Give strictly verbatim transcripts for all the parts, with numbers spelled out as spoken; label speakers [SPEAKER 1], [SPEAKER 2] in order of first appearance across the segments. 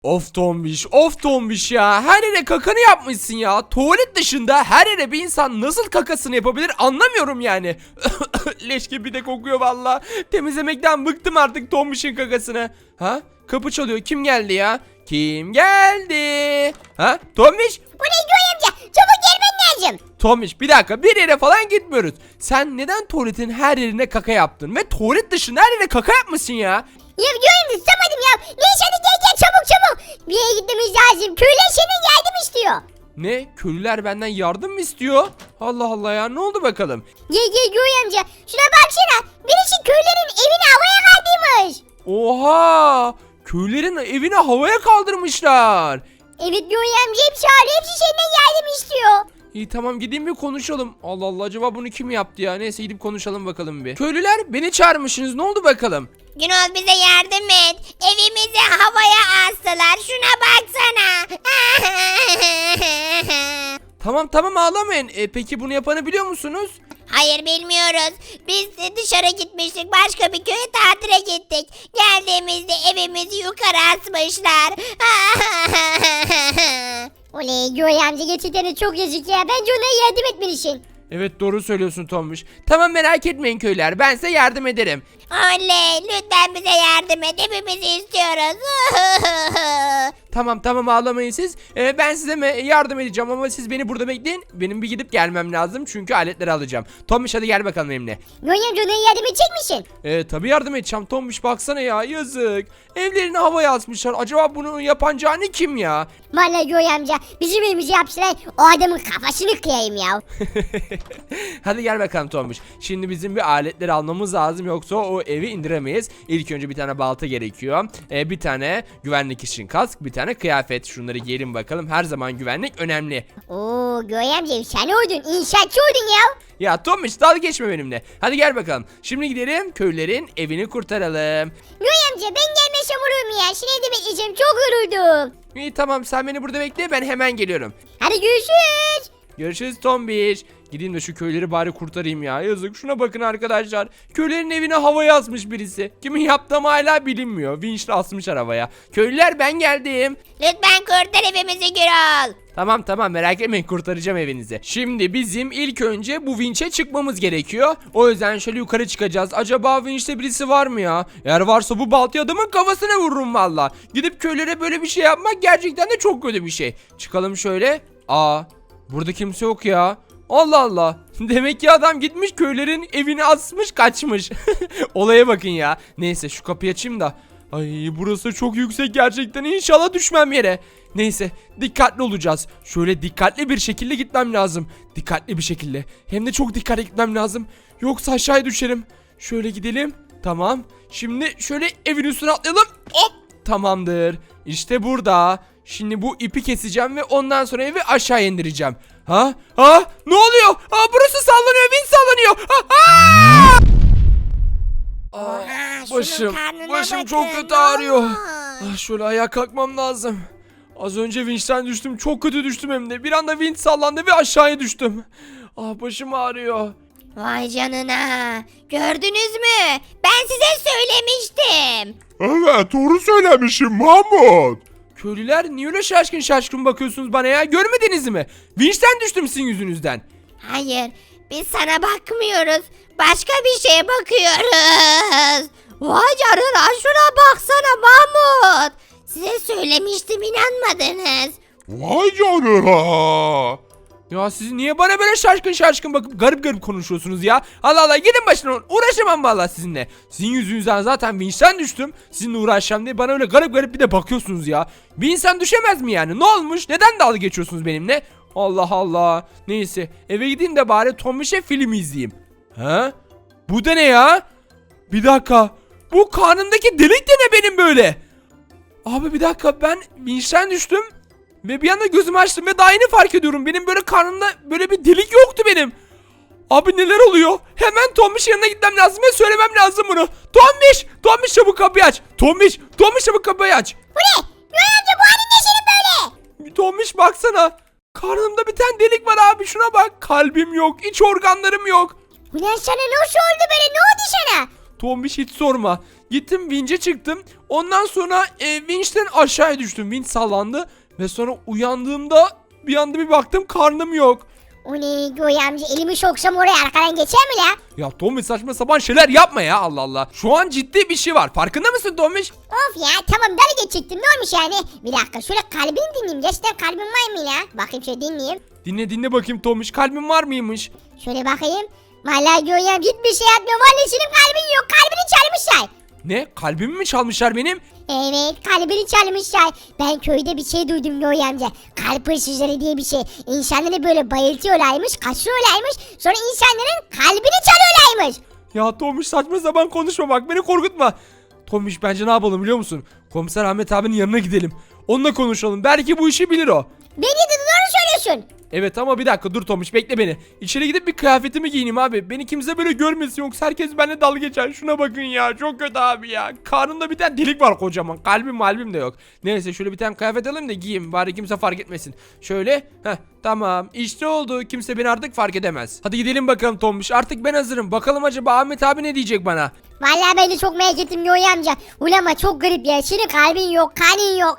[SPEAKER 1] Of Tombiş, of Tombiş ya. Her yere kakanı yapmışsın ya. Tuvalet dışında her yere bir insan nasıl kakasını yapabilir anlamıyorum yani. Leş gibi de kokuyor valla. Temizlemekten bıktım artık Tombiş'in kakasını. Ha? Kapı çalıyor. Kim geldi ya? Kim geldi? Ha? Tombiş?
[SPEAKER 2] Bu ne Göğe amca? Çabuk gelmen lazım.
[SPEAKER 1] Tombiş bir dakika, bir yere falan gitmiyoruz. Sen neden tuvaletin her yerine kaka yaptın? Ve tuvalet dışında her yere kaka yapmışsın ya.
[SPEAKER 2] Ya Göğe amca tutamadım ya. Neyse hadi gel gel çabuk çabuk. Bir yere gitmemiz lazım. Köyler senin yardım istiyor.
[SPEAKER 1] Ne? Köylüler benden yardım mı istiyor? Allah Allah ya, ne oldu bakalım?
[SPEAKER 2] Gel gel Göğe amca. Şuna baksana. Birisi köylerin evini havaya kaldırmış.
[SPEAKER 1] Oha! Köylerin evini havaya kaldırmışlar.
[SPEAKER 2] Evet Göğe amca hepsi ağrıyor. Hepsi senden yardım istiyor.
[SPEAKER 1] İyi tamam, gideyim bir konuşalım. Allah Allah, acaba bunu kim yaptı ya? Neyse gidip konuşalım bakalım bir. Köylüler, beni çağırmışsınız, ne oldu bakalım?
[SPEAKER 2] Günol bize yardım et. Evimizi havaya astılar. Şuna baksana.
[SPEAKER 1] Tamam tamam, ağlamayın. E, peki bunu yapanı biliyor musunuz?
[SPEAKER 2] Hayır bilmiyoruz. Biz de dışarı gitmiştik. Başka bir köye tatile gittik. Geldiğimizde evimizi yukarı asmışlar. Oley Göğe amca gerçekten de çok yazık ya. Bence ona yardım etmelisin.
[SPEAKER 1] Evet, doğru söylüyorsun Tombiş. Tamam, merak etmeyin köylüler, ben size yardım ederim.
[SPEAKER 2] Oley lütfen bize yardım et. Hepimizi istiyoruz.
[SPEAKER 1] Tamam tamam, ağlamayın siz. Ee, ben size me- yardım edeceğim ama siz beni burada bekleyin. Benim bir gidip gelmem lazım çünkü aletleri alacağım. Tombiş hadi gel bakalım benimle.
[SPEAKER 2] Göğe amca ona yardım edecek misin?
[SPEAKER 1] Ee, tabii yardım edeceğim Tombiş, baksana ya, yazık. Evlerini havaya asmışlar. Acaba bunu yapan cani kim ya?
[SPEAKER 2] Vallahi Göğe amca bizim evimizi yapsalar o adamın kafasını kıyayım ya.
[SPEAKER 1] Hadi gel bakalım Tombiş. Şimdi bizim bir aletleri almamız lazım, yoksa o evi indiremeyiz. İlk önce bir tane balta gerekiyor. Ee, bir tane güvenlik için kask, bir tane kıyafet. Şunları giyelim bakalım. Her zaman güvenlik önemli.
[SPEAKER 2] Oo Göğe amca sen oldun inşaatçı oldun ya.
[SPEAKER 1] Ya Tombiş, dalga geçme benimle. Hadi gel bakalım. Şimdi gidelim köylülerin evini kurtaralım.
[SPEAKER 2] Göğe amca ben gelmesem olur mu ya? Seni evde bekleyeceğim çok yoruldum.
[SPEAKER 1] İyi tamam, sen beni burada bekle, ben hemen geliyorum.
[SPEAKER 2] Hadi görüşürüz.
[SPEAKER 1] Görüşürüz Tombiş. Gideyim de şu köyleri bari kurtarayım ya. Yazık, şuna bakın arkadaşlar. Köylerin evine havaya asmış birisi. Kimin yaptığı ama hala bilinmiyor. Vinçle asmış havaya. Köylüler, ben geldim.
[SPEAKER 2] Lütfen kurtar evimizi Gürol.
[SPEAKER 1] Tamam tamam, merak etmeyin, kurtaracağım evinizi. Şimdi bizim ilk önce bu vinçe çıkmamız gerekiyor. O yüzden şöyle yukarı çıkacağız. Acaba vinçte birisi var mı ya? Eğer varsa bu baltayı adamın kafasına vururum valla. Gidip köylere böyle bir şey yapmak gerçekten de çok kötü bir şey. Çıkalım şöyle. Aa, burada kimse yok ya. Allah Allah. Demek ki adam gitmiş köylerin evini asmış kaçmış. Olaya bakın ya. Neyse şu kapıyı açayım da. Ay, burası çok yüksek gerçekten, İnşallah düşmem yere. Neyse, dikkatli olacağız. Şöyle dikkatli bir şekilde gitmem lazım. Dikkatli bir şekilde. Hem de çok dikkatli gitmem lazım. Yoksa aşağıya düşerim. Şöyle gidelim. Tamam. Şimdi şöyle evin üstüne atlayalım. Hop. Tamamdır. İşte burada. Şimdi bu ipi keseceğim ve ondan sonra evi aşağı indireceğim. Ha? Ha? Ne oluyor? Ha, burası sallanıyor. Vin sallanıyor. Ha, ha!
[SPEAKER 2] Oha, şunun
[SPEAKER 1] Başım,
[SPEAKER 2] karnına
[SPEAKER 1] başım
[SPEAKER 2] bakın,
[SPEAKER 1] çok kötü
[SPEAKER 2] ne
[SPEAKER 1] ağrıyor.
[SPEAKER 2] olmuş?
[SPEAKER 1] Ah, şöyle ayağa kalkmam lazım. Az önce vinçten düştüm, çok kötü düştüm hem de. Bir anda vinç sallandı ve aşağıya düştüm. Ah, başım ağrıyor.
[SPEAKER 2] Vay canına. Gördünüz mü? Ben size söylemiştim.
[SPEAKER 3] Evet, doğru söylemişim Mahmut.
[SPEAKER 1] Köylüler, niye öyle şaşkın şaşkın bakıyorsunuz bana ya? Görmediniz mi? Vinçten düştüm sizin yüzünüzden.
[SPEAKER 2] Hayır biz sana bakmıyoruz. Başka bir şeye bakıyoruz. Vay canına şuna baksana Mahmut. Size söylemiştim inanmadınız.
[SPEAKER 3] Vay canına.
[SPEAKER 1] Ya siz niye bana böyle şaşkın şaşkın bakıp garip garip konuşuyorsunuz ya? Allah Allah, gidin başına, uğraşamam vallahi sizinle. Sizin yüzünüzden zaten vinçten düştüm. Sizinle uğraşacağım diye bana öyle garip garip bir de bakıyorsunuz ya. Bir insan düşemez mi yani? Ne olmuş? Neden dalga geçiyorsunuz benimle? Allah Allah. Neyse, eve gideyim de bari Tombiş'e film izleyeyim. Ha? Bu da ne ya? Bir dakika. Bu karnımdaki delik de ne benim böyle? Abi bir dakika, ben vinçten düştüm. Ve bir anda gözümü açtım ve daha yeni fark ediyorum. Benim böyle karnımda böyle bir delik yoktu benim. Abi neler oluyor? Hemen Tombiş'in yanına gitmem lazım ve söylemem lazım bunu. Tombiş! Tombiş çabuk kapıyı aç. Tombiş! Tombiş çabuk kapıyı aç.
[SPEAKER 2] Bu ne? Göğe amca bu halin ne senin böyle?
[SPEAKER 1] Tombiş baksana. Karnımda bir tane delik var abi, şuna bak. Kalbim yok, iç organlarım yok.
[SPEAKER 2] Ulan sana nasıl oldu böyle? Ne oldu sana?
[SPEAKER 1] Tombiş hiç sorma. Gittim vinçe çıktım. Ondan sonra e, vinçten aşağıya düştüm. Vinç sallandı. Ve sonra uyandığımda bir anda bir baktım karnım yok.
[SPEAKER 2] O ne Göğe amca, elimi soksam oraya arkadan geçer mi la?
[SPEAKER 1] Ya Tombiş saçma sapan şeyler yapma ya, Allah Allah. Şu an ciddi bir şey var. Farkında mısın Tombiş?
[SPEAKER 2] Of ya, tamam dalga geçecektim, ne olmuş yani? Bir dakika şöyle kalbini dinleyeyim. Gerçekten kalbim var mı la? Bakayım şöyle dinleyeyim.
[SPEAKER 1] Dinle dinle bakayım Tombiş, kalbin var mıymış?
[SPEAKER 2] Şöyle bakayım. Vallahi Göğe amca hiçbir şey yapmıyor. Vallahi senin kalbin yok. Kalbini çalmışlar.
[SPEAKER 1] Ne? Kalbimi mi çalmışlar benim?
[SPEAKER 2] Evet, kalbini çalmışlar. Ben köyde bir şey duydum Göğe amca. Kalp hırsızları diye bir şey. İnsanları böyle bayıltıyorlarmış, kaçıyorlarmış. Sonra insanların kalbini çalıyorlarmış.
[SPEAKER 1] Ya Tombiş saçma sapan konuşma bak, beni korkutma. Tombiş bence ne yapalım biliyor musun? Komiser Ahmet abinin yanına gidelim. Onunla konuşalım. Belki bu işi bilir o.
[SPEAKER 2] Beni de doğru söylüyorsun.
[SPEAKER 1] Evet ama bir dakika dur Tomuş, bekle beni. İçeri gidip bir kıyafetimi giyineyim abi. Beni kimse böyle görmesin, yoksa herkes benimle dalga geçer. Şuna bakın ya, çok kötü abi ya. Karnımda bir tane delik var kocaman. Kalbim malbim de yok. Neyse şöyle bir tane kıyafet alayım da giyeyim. Bari kimse fark etmesin. Şöyle. Heh tamam işte oldu. Kimse beni artık fark edemez. Hadi gidelim bakalım Tomuş. Artık ben hazırım. Bakalım acaba Ahmet abi ne diyecek bana?
[SPEAKER 2] Vallahi ben de çok merak ettim Göğe amca. Ulan ama çok garip ya. Senin kalbin yok, kanın yok.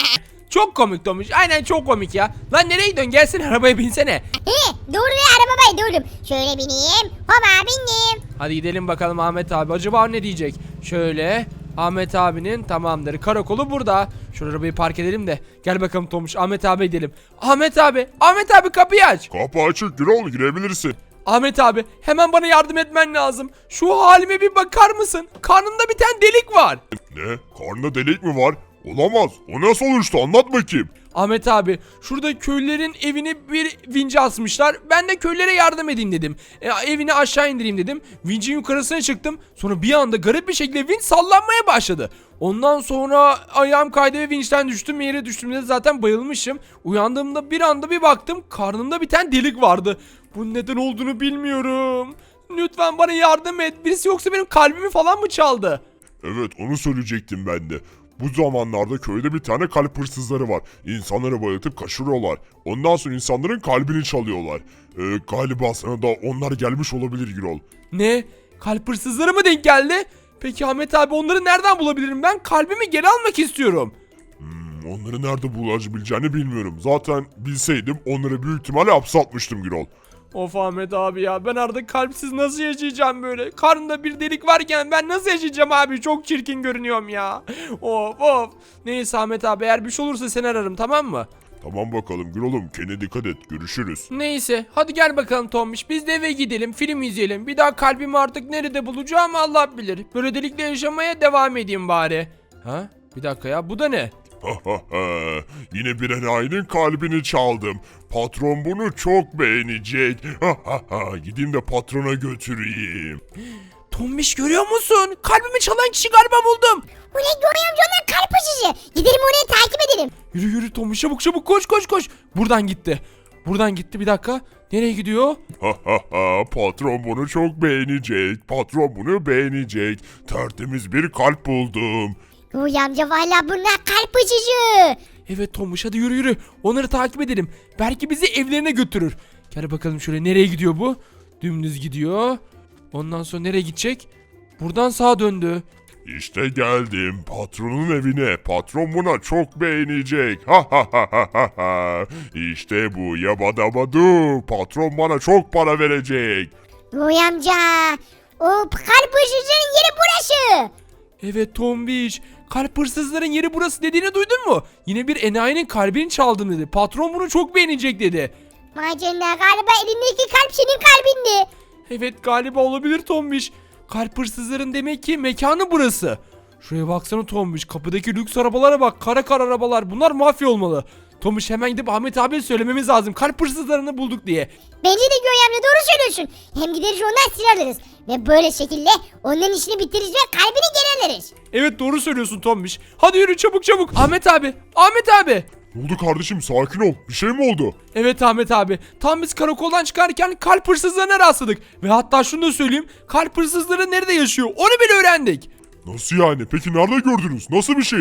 [SPEAKER 1] Çok komik Tomuş. Aynen çok komik ya. Lan nereye gidiyorsun? Gelsene arabaya binsene.
[SPEAKER 2] He, doğru ya, arabaya durdum. Şöyle bineyim. Hop bindim.
[SPEAKER 1] Hadi gidelim bakalım Ahmet abi. Acaba ne diyecek? Şöyle. Ahmet abinin tamamdır. Karakolu burada. Şu arabayı park edelim de. Gel bakalım Tomuş. Ahmet abi gidelim. Ahmet abi. Ahmet abi kapıyı aç.
[SPEAKER 3] Kapı açık Gürol, girebilirsin.
[SPEAKER 1] Ahmet abi hemen bana yardım etmen lazım. Şu halime bir bakar mısın? Karnımda bir tane delik var.
[SPEAKER 3] Ne? Karnında delik mi var? Olamaz. O nasıl oluştu? Anlat bakayım.
[SPEAKER 1] Ahmet abi şurada köylülerin evini bir vince asmışlar. Ben de köylere yardım edeyim dedim. E, evini aşağı indireyim dedim. Vincin yukarısına çıktım. Sonra bir anda garip bir şekilde vinç sallanmaya başladı. Ondan sonra ayağım kaydı ve vinçten düştüm. Yere düştüğümde zaten bayılmışım. Uyandığımda bir anda bir baktım karnımda bir tane delik vardı. Bunun neden olduğunu bilmiyorum. Lütfen bana yardım et. Birisi yoksa benim kalbimi falan mı çaldı?
[SPEAKER 3] Evet, onu söyleyecektim ben de. Bu zamanlarda köyde bir tane kalp hırsızları var. İnsanları bayıltıp kaçırıyorlar. Ondan sonra insanların kalbini çalıyorlar. Ee, galiba sana da onlar gelmiş olabilir Gürol.
[SPEAKER 1] Ne? Kalp hırsızları mı denk geldi? Peki Ahmet abi onları nereden bulabilirim ben? Kalbimi geri almak istiyorum.
[SPEAKER 3] Hmm, onları nerede bulabileceğini bilmiyorum. Zaten bilseydim onları büyük ihtimalle hapse atmıştım Gürol.
[SPEAKER 1] Of Ahmet abi ya, ben artık kalpsiz nasıl yaşayacağım böyle? Karnımda bir delik varken ben nasıl yaşayacağım abi? Çok çirkin görünüyorum ya. Of of. Neyse Ahmet abi, eğer bir şey olursa seni ararım, tamam mı?
[SPEAKER 3] Tamam bakalım Gürol'um, kendine dikkat et, görüşürüz.
[SPEAKER 1] Neyse hadi gel bakalım Tombiş, biz de eve gidelim, film izleyelim. Bir daha kalbimi artık nerede bulacağım Allah bilir. Böyle delikle yaşamaya devam edeyim bari. Ha? Bir dakika ya, bu da ne?
[SPEAKER 3] Yine bir enayinin kalbini çaldım. Patron bunu çok beğenecek. Gideyim de patrona götüreyim.
[SPEAKER 1] Tombiş görüyor musun? Kalbimi çalan kişi galiba buldum.
[SPEAKER 2] Bu ne Göğe amca, onlar kalp hırsızı. Gidelim oraya, takip edelim.
[SPEAKER 1] Yürü yürü Tombiş, çabuk çabuk, koş koş koş. Buradan gitti. Buradan gitti, bir dakika. Nereye gidiyor?
[SPEAKER 3] Patron bunu çok beğenecek. Patron bunu beğenecek. Tertemiz bir kalp buldum.
[SPEAKER 2] Göğe amca vallahi bunlar kalp hırsızı.
[SPEAKER 1] Evet Tombiş, hadi yürü yürü. Onları takip edelim. Belki bizi evlerine götürür. Gel bakalım şöyle, nereye gidiyor bu? Dümdüz gidiyor. Ondan sonra nereye gidecek? Buradan sağa döndü.
[SPEAKER 3] İşte geldim patronun evine. Patron buna çok beğenecek. Ha ha ha ha ha ha. İşte bu yabadabadu. Patron bana çok para verecek.
[SPEAKER 2] Göğe amca, o kalp hırsızının yeri burası.
[SPEAKER 1] Evet Tombiş, kalp hırsızların yeri burası dediğini duydun mu? Yine bir enayinin kalbini çaldım dedi. Patron bunu çok beğenecek dedi.
[SPEAKER 2] Vay canına, galiba elindeki kalp senin kalbindi.
[SPEAKER 1] Evet galiba olabilir Tombiş. Kalp hırsızların demek ki mekanı burası. Şuraya baksana Tombiş, kapıdaki lüks arabalara bak, kara kara arabalar, bunlar mafya olmalı. Tombiş hemen gidip Ahmet abiye söylememiz lazım, kalp hırsızlarını bulduk diye.
[SPEAKER 2] Bence de Göğe amca doğru söylüyorsun. Hem gideriz ondan silah alırız. Ve böyle şekilde onların işini bitiririz ve kalbini geri alırız.
[SPEAKER 1] Evet doğru söylüyorsun Tombiş. Hadi yürü çabuk çabuk. Ahmet abi, Ahmet abi.
[SPEAKER 3] Ne oldu kardeşim, sakin ol. Bir şey mi oldu?
[SPEAKER 1] Evet Ahmet abi, tam biz karakoldan çıkarken kalp hırsızlarına rastladık. Ve hatta şunu da söyleyeyim, kalp hırsızları nerede yaşıyor onu bile öğrendik.
[SPEAKER 3] Nasıl yani? Peki nerede gördünüz? Nasıl bir şeydi?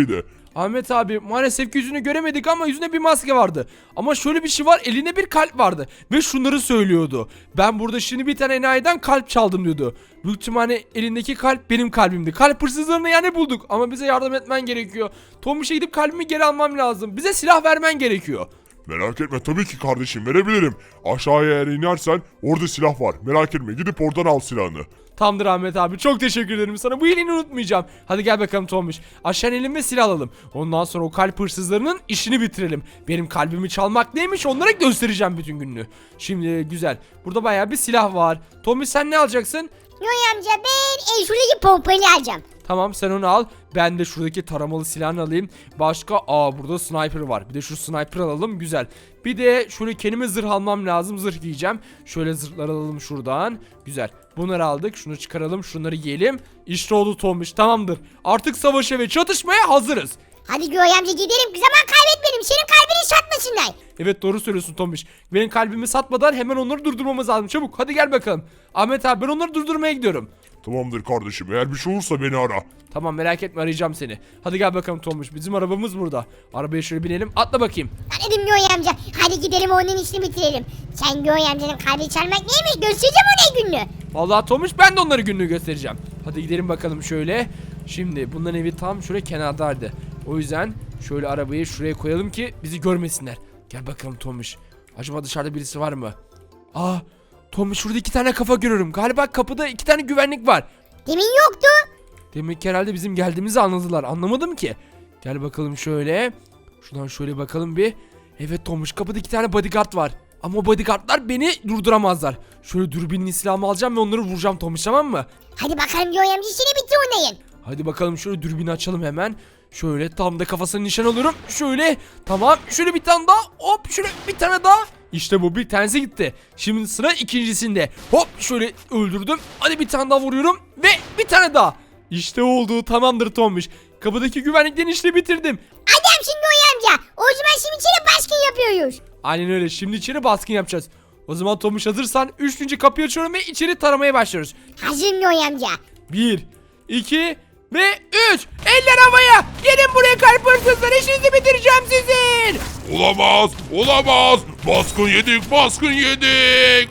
[SPEAKER 1] Ahmet abi maalesef ki yüzünü göremedik ama yüzünde bir maske vardı. Ama şöyle bir şey var, elinde bir kalp vardı. Ve şunları söylüyordu. Ben burada şimdi bir tane enayiden kalp çaldım diyordu. Büyük ihtimalle elindeki kalp benim kalbimdi. Kalp hırsızlarını yani bulduk. Ama bize yardım etmen gerekiyor. Tomiş'e gidip kalbimi geri almam lazım. Bize silah vermen gerekiyor.
[SPEAKER 3] Merak etme tabii ki kardeşim verebilirim. Aşağıya eğer inersen orada silah var. Merak etme gidip oradan al silahını.
[SPEAKER 1] Tamamdır Ahmet abi, çok teşekkür ederim sana, bu iyiliğini unutmayacağım. Hadi gel bakalım Tomiş, aşağı inelim ve silah alalım. Ondan sonra o kalp hırsızlarının işini bitirelim. Benim kalbimi çalmak neymiş onlara göstereceğim bütün gününü. Şimdi güzel, burada bayağı bir silah var. Tomiş sen ne alacaksın?
[SPEAKER 2] Yoy amca ben e, şuradaki pompayı alacağım.
[SPEAKER 1] Tamam sen onu al. Ben de şuradaki taramalı silahını alayım. Başka aa burada sniper var. Bir de şu sniper alalım, güzel. Bir de şöyle kendime zırh almam lazım. Zırh giyeceğim. Şöyle zırhlar alalım şuradan. Güzel. Bunları aldık. Şunu çıkaralım. Şunları giyelim. İşte oldu Tomiş. Tamamdır. Artık savaşa ve çatışmaya hazırız.
[SPEAKER 2] Hadi Yoy amca gidelim, zaman kaybetmeyelim, senin kalbini satmasınlar.
[SPEAKER 1] Evet doğru söylüyorsun Tomiş. Benim kalbimi satmadan hemen onları durdurmamız lazım. Çabuk hadi gel bakalım. Ahmet abi ben onları durdurmaya gidiyorum.
[SPEAKER 3] Tamamdır kardeşim eğer bir şey olursa beni ara.
[SPEAKER 1] Tamam merak etme, arayacağım seni. Hadi gel bakalım Tomuş. Bizim arabamız burada. Arabaya şöyle binelim. Atla bakayım.
[SPEAKER 2] Ben dedim Yoy amca, hadi gidelim onun işini bitirelim. Sen Yoy amcanın kalbini çalmak neymiş göstereceğim ona gününü.
[SPEAKER 1] Vallahi Tomuş ben de onları günlüğü göstereceğim. Hadi gidelim bakalım şöyle. Şimdi bunların evi tam şöyle kenardaydı. O yüzden şöyle arabayı şuraya koyalım ki bizi görmesinler. Gel bakalım Tomuş. Acaba dışarıda birisi var mı? Aa Tomuş, şurada iki tane kafa görüyorum. Galiba kapıda iki tane güvenlik var.
[SPEAKER 2] Demin yoktu.
[SPEAKER 1] Demek ki herhalde bizim geldiğimizi anladılar. Anlamadım ki. Gel bakalım şöyle. Şuradan şöyle bakalım bir. Evet Tomuş, kapıda iki tane bodyguard var. Ama o bodyguardlar beni durduramazlar. Şöyle dürbünün silahımı alacağım ve onları vuracağım Tomuş, tamam mı?
[SPEAKER 2] Hadi bakalım Yoy amca işini bitir onayın.
[SPEAKER 1] Hadi bakalım şöyle dürbünü açalım hemen. Şöyle tam da kafasına nişan alıyorum. Şöyle tamam, şöyle bir tane daha. Hop şöyle bir tane daha. İşte bu, bir tanesi gitti. Şimdi sıra ikincisinde. Hop şöyle öldürdüm. Hadi bir tane daha vuruyorum ve bir tane daha. İşte oldu, tamamdır Tomuş. Kapıdaki güvenliklerin işini bitirdim.
[SPEAKER 2] Adamsın Yoy amca. O zaman şimdi içeri baskın yapıyoruz.
[SPEAKER 1] Aynen öyle, şimdi içeri baskın yapacağız. O zaman Tomuş hazırsan üçüncü kapıyı açıyorum ve içeri taramaya başlıyoruz.
[SPEAKER 2] Hazırım Yoy amca.
[SPEAKER 1] Bir, iki ve üç. Eller havaya. Gelin buraya kalp hırsızlar, işinizi bitireceğim sizin.
[SPEAKER 3] Olamaz olamaz baskın yedik baskın yedik.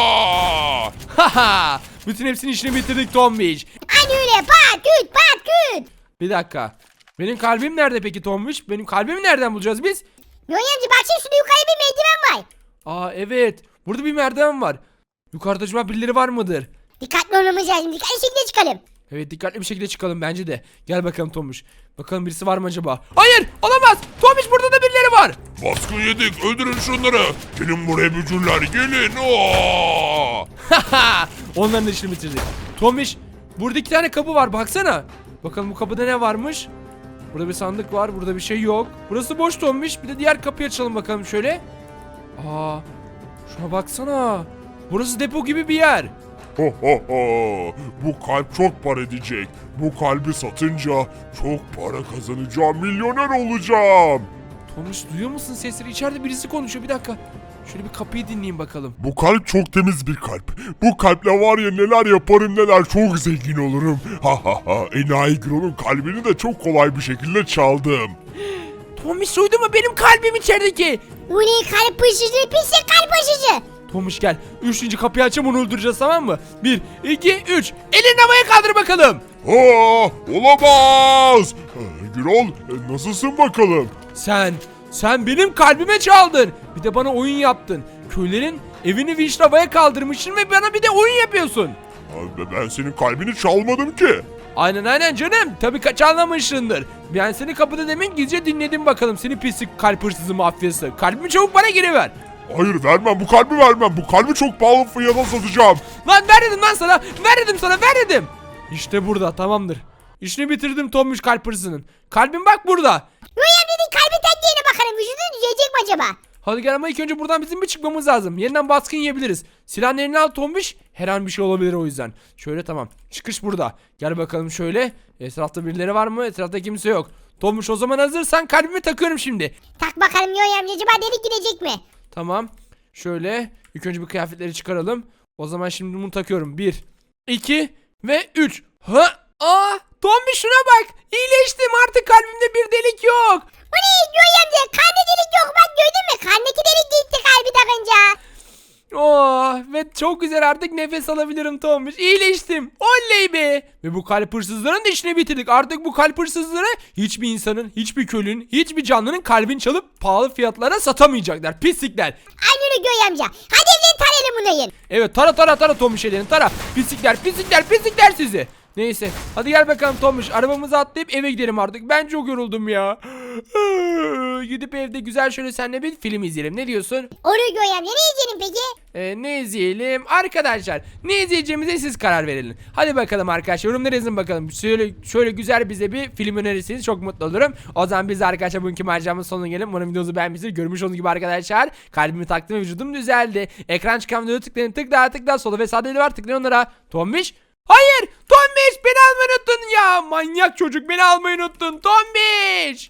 [SPEAKER 3] Aa!
[SPEAKER 1] Haha. Bütün hepsinin işini bitirdik Tomuş.
[SPEAKER 2] Hadi öyle patüt patüt.
[SPEAKER 1] Bir dakika. Benim kalbim nerede peki Tomuş? Benim kalbimi nereden bulacağız biz?
[SPEAKER 2] Yoy amca baksana şurada yukarı bir merdiven var.
[SPEAKER 1] Aa evet. Burada bir merdiven var. Yukarıda acaba birileri var mıdır?
[SPEAKER 2] Dikkatli olmamız lazım. Dikkatli şekilde çıkalım.
[SPEAKER 1] Evet dikkatli bir şekilde çıkalım bence de. Gel bakalım Tomuş. Bakalım birisi var mı acaba? Hayır olamaz. Tomuş burada da birileri var.
[SPEAKER 3] Baskın yedik öldürün şunları. Gelin buraya bücürler gelin. Aa!
[SPEAKER 1] Haha. Onların da işini bitirdik. Tomuş burada iki tane kapı var baksana. Bakalım bu kapıda ne varmış? Burada bir sandık var. Burada bir şey yok. Burası boş Tomuş. Bir de diğer kapıyı açalım bakalım şöyle. Aa, şuna baksana. Burası depo gibi bir yer.
[SPEAKER 3] Ho ho ho. Bu kalp çok para edecek. Bu kalbi satınca çok para kazanacağım. Milyoner olacağım.
[SPEAKER 1] Tomuş duyuyor musun sesleri? İçeride birisi konuşuyor. Bir dakika. Şöyle bir kapıyı dinleyin bakalım.
[SPEAKER 3] Bu kalp çok temiz bir kalp. Bu kalple var ya neler yaparım neler çok zengin olurum. Ha ha ha. Enayi Gron'un kalbini de çok kolay bir şekilde çaldım.
[SPEAKER 1] Tomuş duydu mu benim kalbim içerideki?
[SPEAKER 2] Bu ne kalp hırsızı, pislik kalp hırsızı.
[SPEAKER 1] Tomuş gel. Üçüncü kapıyı açalım, onu öldüreceğiz, tamam mı? Bir, iki, üç. Elini havaya kaldır bakalım.
[SPEAKER 3] Aa, olamaz. Ee, Gürol e, nasılsın bakalım?
[SPEAKER 1] Sen, sen benim kalbime çaldın. Bir de bana oyun yaptın. Köylerin evini vinçle havaya kaldırmışsın ve bana bir de oyun yapıyorsun.
[SPEAKER 3] Abi, ben senin kalbini çalmadım ki.
[SPEAKER 1] Aynen aynen canım. Tabii kaç anlamışsındır. Ben seni kapıda demin gizlice dinledim bakalım. Seni pislik kalp hırsızı mafyası. Kalbimi çabuk bana geri ver.
[SPEAKER 3] Hayır vermem bu kalbi vermem. Bu kalbi çok pahalı fiyata satacağım.
[SPEAKER 1] Lan ver dedim lan sana. Ver dedim sana, ver dedim. İşte burada, tamamdır. İşini bitirdim Tomuş kalp hırsızının. Kalbim bak burada.
[SPEAKER 2] Yoy amcanın kalbi tendiğine bakalım. Vücudu düzelecek mi acaba?
[SPEAKER 1] Hadi gel ama ilk önce buradan bizim bir çıkmamız lazım. Yeniden baskın yiyebiliriz. Silahın eline al Tomuş. Her an bir şey olabilir o yüzden. Şöyle tamam. Çıkış burada. Gel bakalım şöyle. Etrafta birileri var mı? Etrafta kimse yok. Tomuş o zaman hazırsan kalbimi takıyorum şimdi.
[SPEAKER 2] Tak bakalım Yoy amca, acaba delik gidecek mi?
[SPEAKER 1] Tamam. Şöyle. İlk önce bir kıyafetleri çıkaralım. O zaman şimdi bunu takıyorum. Bir, iki ve üç. Ha? Aa! Tombiş şuna bak. İyileştim, artık kalbimde bir delik yok.
[SPEAKER 2] Bu ne Göğe amca? Karnı delik yok, bak gördün mü? Karnındaki delik gitti kalbi takınca.
[SPEAKER 1] Oh, ve çok güzel, artık nefes alabilirim Tombiş. İyileştim. Oley be. Ve bu kalp hırsızlarının da işini bitirdik. Artık bu kalp hırsızları hiçbir insanın, hiçbir köylünün, hiçbir canlının kalbini çalıp pahalı fiyatlara satamayacaklar. Pislikler.
[SPEAKER 2] Aynen öyle Göğe amca. Hadi evden tarayalım bunları.
[SPEAKER 1] Evet, tara tara tara Tombiş elini tara. Pislikler, pislikler, pislikler sizi. Neyse, hadi gel bakalım Tombiş, arabamıza atlayıp eve gidelim artık. Ben çok yoruldum ya. Gidip evde güzel şöyle seninle bir film izleyelim. Ne diyorsun?
[SPEAKER 2] Olur Göğe amca, ne yiyeceğim peki?
[SPEAKER 1] Ee, ne izleyelim? Arkadaşlar, ne izleyeceğimize siz karar verin. Hadi bakalım arkadaşlar, yorumlara yazın bakalım. Şöyle, şöyle güzel bize bir film önerirseniz çok mutlu olurum. O zaman biz de arkadaşlar bugünkü maceramızın sonuna gelelim. Umarım videomuzu beğenmişsiniz. Görmüş olduğunuz gibi arkadaşlar, kalbimi taktım ve vücudum düzeldi. Ekran çıkan videoya tıklayın, tıkla tıkla, sola ve sağda eli var, tıklayın onlara. Tombiş? Hayır! Tombiş, beni almayı unuttun ya! Manyak çocuk, beni almayı unuttun Tombiş!